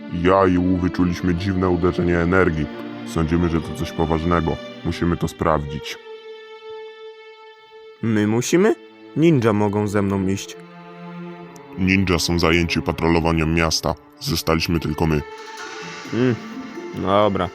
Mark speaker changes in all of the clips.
Speaker 1: Ja i Wu wyczuliśmy dziwne uderzenie energii. Sądzimy, że to coś poważnego. Musimy to sprawdzić.
Speaker 2: My musimy? Ninja mogą ze mną iść.
Speaker 1: Ninja są zajęci patrolowaniem miasta. Zostaliśmy tylko my.
Speaker 2: Dobra.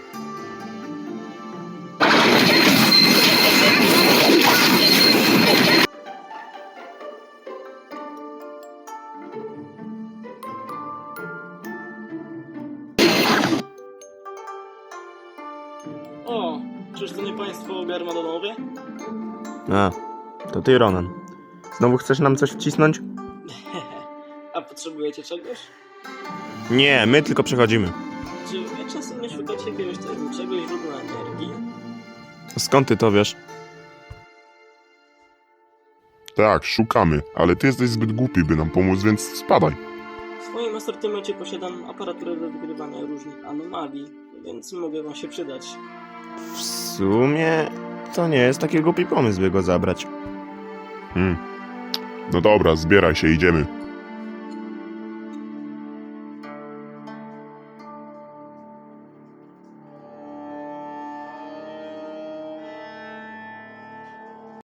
Speaker 3: O, czyż to nie państwo Garmadonowie?
Speaker 2: A, to ty, Ronan. Znowu chcesz nam coś wcisnąć?
Speaker 3: A potrzebujecie czegoś?
Speaker 2: Nie, my tylko przechodzimy.
Speaker 3: Czy wy czasem nie szukacie jakiegoś tajemniczego źródła energii?
Speaker 2: Skąd ty to wiesz?
Speaker 1: Tak, szukamy, ale ty jesteś zbyt głupi, by nam pomóc, więc spadaj.
Speaker 3: W swoim asortymencie posiadam aparaturę do wykrywania różnych anomalii, więc mogę wam się przydać.
Speaker 2: W sumie to nie jest taki głupi pomysł, by go zabrać.
Speaker 1: No dobra, zbieraj się, idziemy.